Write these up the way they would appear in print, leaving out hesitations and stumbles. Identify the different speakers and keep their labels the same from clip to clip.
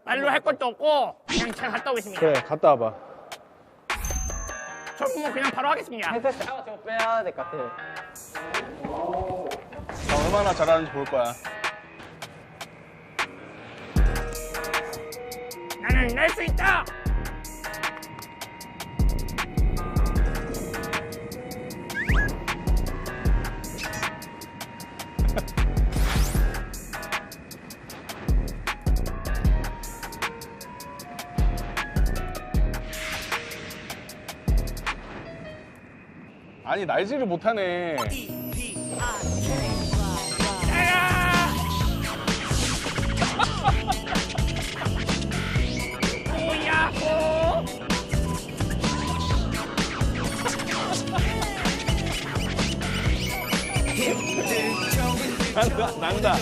Speaker 1: 말로 할 것도 없고 그냥 제가 갔다 오겠습니다.
Speaker 2: 그래, 갔다 와봐.
Speaker 1: 저 뭐 그냥 바로 하겠습니다.
Speaker 3: 햇살 샤워 좀 빼야 될 것 같아.
Speaker 2: 나 얼마나 잘하는지 볼 거야.
Speaker 1: 나는 낼 수 있다.
Speaker 2: 아니, 날지를 못하네.
Speaker 1: 오야호.
Speaker 2: 난다.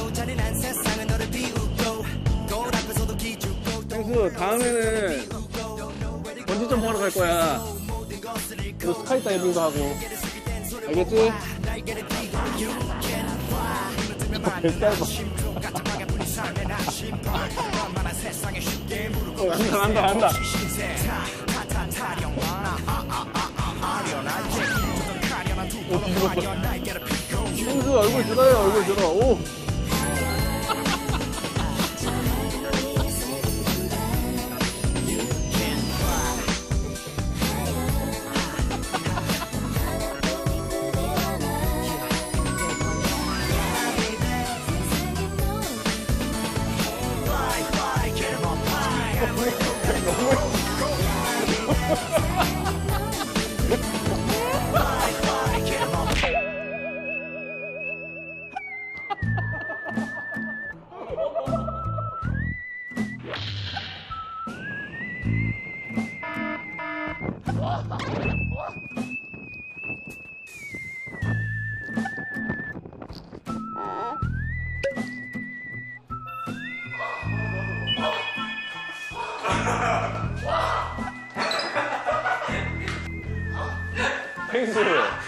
Speaker 2: 펭수, 다음에는 번지점프 하러 갈 거야. 그리고 스카이 다이빙도 하고. 알겠지? 별 짧아. 난다. 오, 뒤집었어. 펭수, 얼굴 들어요, 얼굴 들어. 오. 펭수.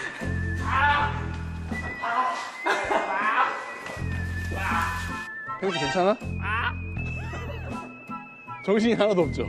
Speaker 2: 펭수 괜찮아? 정신이 하나도 없죠?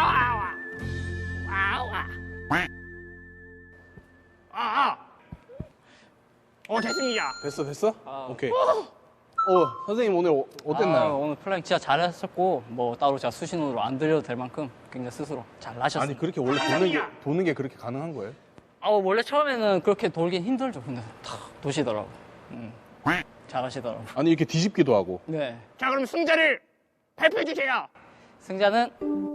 Speaker 1: 됐습니다.
Speaker 2: 됐어? 오케이. 선생님 오늘 어땠나요?
Speaker 3: 오늘 플라잉 진짜 잘하셨고 뭐 따로 제가 수신호로 안 들려도 될 만큼 굉장히 스스로 잘 하셨어요.
Speaker 2: 아니, 그렇게 원래 도는 게 그렇게 가능한 거예요?
Speaker 3: 원래 처음에는 그렇게 돌긴 힘들죠. 근데 탁 도시더라고. 잘하시더라고.
Speaker 2: 아니, 이렇게 뒤집기도 하고.
Speaker 3: 네.
Speaker 1: 자, 그럼 승자를 발표해 주세요.
Speaker 3: 승자는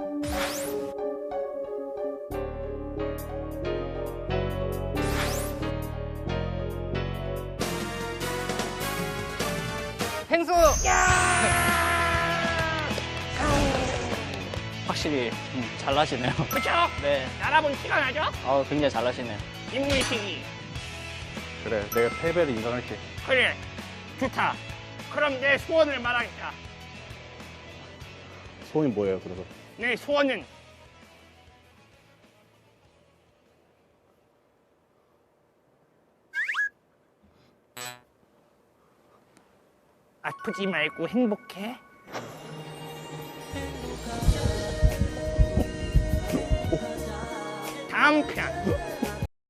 Speaker 3: 펭수! 확실히 잘나시네요.
Speaker 1: 그쵸?
Speaker 3: 네.
Speaker 1: 알아본 티가 나죠?
Speaker 3: 굉장히 잘나시네요.
Speaker 1: 인물식이.
Speaker 2: 그래, 내가 패배를 인정할게.
Speaker 1: 그래, 좋다. 그럼 내 소원을 말하겠다.
Speaker 2: 소원이 뭐예요, 그래서?
Speaker 1: 내 소원은 아프지 말고 행복해. 다음 편